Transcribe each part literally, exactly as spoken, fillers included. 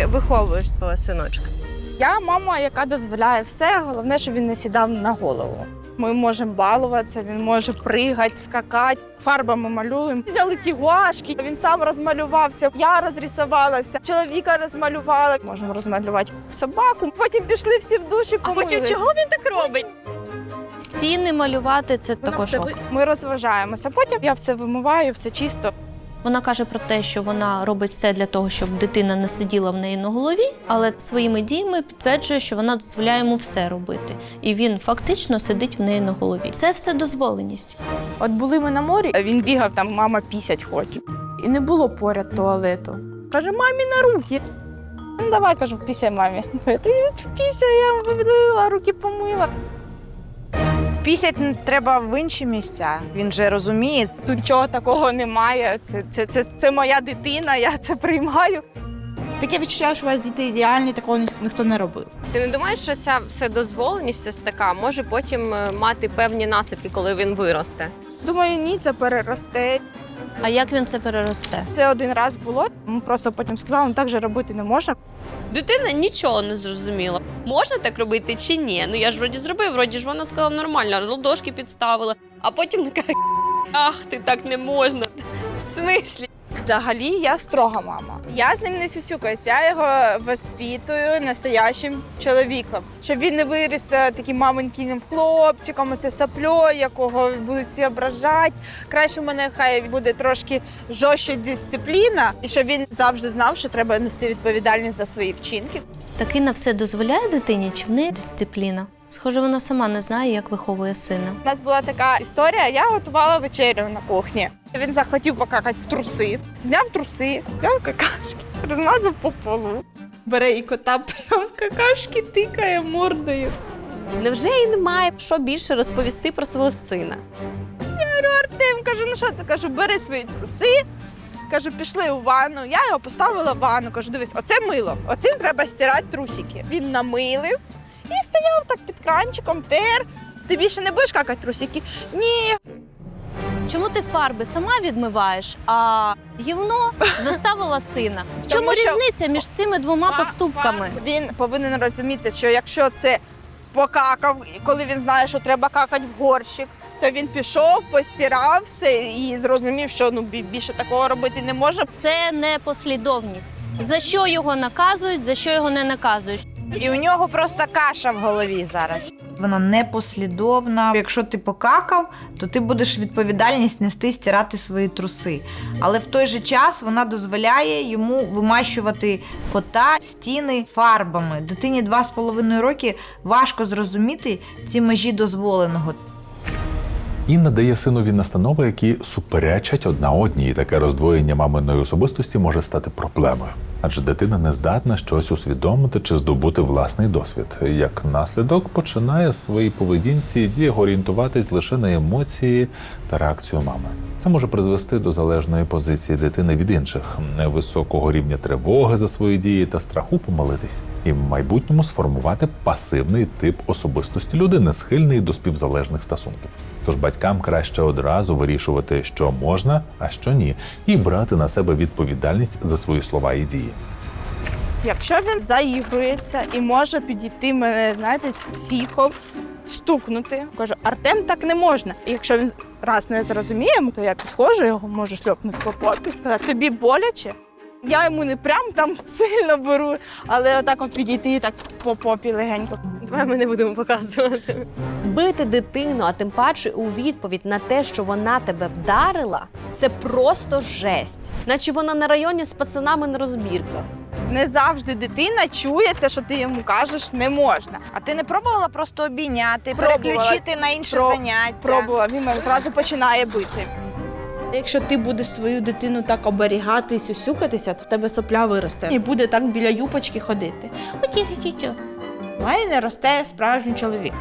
виховуєш свого синочка? Я мама, яка дозволяє все, головне, щоб він не сідав на голову. Ми можемо балуватися, він може пригати, скакати, фарбами малюємо. Взяли ті гуашки, він сам розмалювався, я розрисувалася, чоловіка розмалювала. Можемо розмалювати собаку, потім пішли всі в душі, А помились. потім чого він так робить? Стіни малювати – це Вона також все ок. ви- Ми розважаємося, потім я все вимиваю, все чисто. Вона каже про те, що вона робить все для того, щоб дитина не сиділа в неї на голові, але своїми діями підтверджує, що вона дозволяє йому все робити. І він фактично сидить в неї на голові. Це все дозволеність. От були ми на морі, а він бігав, там мама пісять хоче. І не було поряд туалету. Каже, мамі на руки. Ну давай, кажу, пісяй мамі. Пісяй, я вимила, руки помила. Пісять треба в інші місця, він же розуміє. Тут нічого такого немає, це, це, це, це моя дитина, я це приймаю. Таке відчуття, що у вас діти ідеальні, такого ні- ніхто не робив. Ти не думаєш, що ця вседозволеність ось така може потім е, мати певні наслідки, коли він виросте? Думаю, ні, це переросте. А як він це переросте? Це один раз було, ми просто потім сказали, ну так же робити не можна. Дитина нічого не зрозуміла. Можна так робити чи ні? Ну я ж вроді зробив, вроді ж вона сказала нормально, ладошки підставила. А потім така, ах, ти так не можна. В смислі? Взагалі я строга мама. Я з ним не сюсюкаюсь, я його воспитую настоящим чоловіком. Щоб він не виріс е, таким маменькиним хлопчиком, оце сапльо, якого будуть всі ображати. Краще в мене хай буде трошки жорстча дисципліна, і щоб він завжди знав, що треба нести відповідальність за свої вчинки. Таки на все дозволяє дитині, чи в неї дисципліна? Схоже, вона сама не знає, як виховує сина. У нас була така історія, я готувала вечерю на кухні. Він захотів покакати в труси, зняв труси, взяв какашки, розмазав по полу. Бере і кота прям в какашки тикає мордою. Невже їй немає що більше розповісти про свого сина? Артем, кажу, ну що це? Кажу, бери свої труси. Кажу, пішли у ванну. Я його поставила в ванну. Кажу, дивись, оце мило, оцим треба стирати трусики. Він намилив і стояв так під кранчиком, тер. Ти більше не будеш какати трусики? Ні. Чому ти фарби сама відмиваєш, а гівно заставила сина? В чому Тому що- різниця між цими двома поступками? Він повинен розуміти, що якщо це покакав, і коли він знає, що треба какати в горщик, то він пішов, постирав все і зрозумів, що ну бі- більше такого робити не можна. Це не послідовність. За що його наказують, за що його не наказують. І у нього просто каша в голові зараз. Вона непослідовна. Якщо ти покакав, то ти будеш відповідальність нести, стирати свої труси. Але в той же час вона дозволяє йому вимащувати кота, стіни фарбами. Дитині два з половиною роки важко зрозуміти ці межі дозволеного. Інна дає синові настанови, які суперечать одна одній. Таке роздвоєння маминої особистості може стати проблемою. Адже дитина не здатна щось усвідомити чи здобути власний досвід. Як наслідок, починає в своїй поведінці і діях орієнтуватись лише на емоції та реакцію мами. Це може призвести до залежної позиції дитини від інших, високого рівня тривоги за свої дії та страху помилитись. І в майбутньому сформувати пасивний тип особистості людини, схильний до співзалежних стосунків. Тож батькам краще одразу вирішувати, що можна, а що ні, і брати на себе відповідальність за свої слова і дії. Якщо він заігрується і може підійти мене, знаєте, з психом, стукнути, кажу, Артем, так не можна. І якщо він раз не зрозуміє, то я підходжу, його можу шльопнути по попі, сказати, тобі боляче? Я йому не прям там сильно беру, але отак от підійти і так по попі легенько. Давай ми не будемо показувати. Бити дитину, а тим паче у відповідь на те, що вона тебе вдарила, це просто жесть. Наче вона на районі з пацанами на розбірках. Не завжди дитина чує те, що ти йому кажеш, не можна. А ти не пробувала просто обійняти, Пробувала. переключити на інше Про- заняття? Пробував, він мене зразу починає бити. Якщо ти будеш свою дитину так оберігати і сюсюкатися, то в тебе сопля виросте. І буде так біля юпочки ходити. Оті-ті-ті. Має не росте справжній чоловік.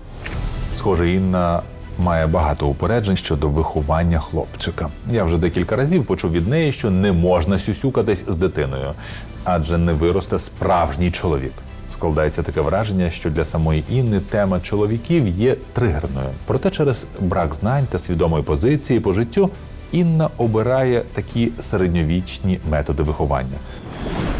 Схоже, Інна має багато упереджень щодо виховання хлопчика. Я вже декілька разів почув від неї, що не можна сюсюкатись з дитиною, адже не виросте справжній чоловік. Складається таке враження, що для самої Інни тема чоловіків є тригерною. Проте через брак знань та свідомої позиції по життю Інна обирає такі середньовічні методи виховання.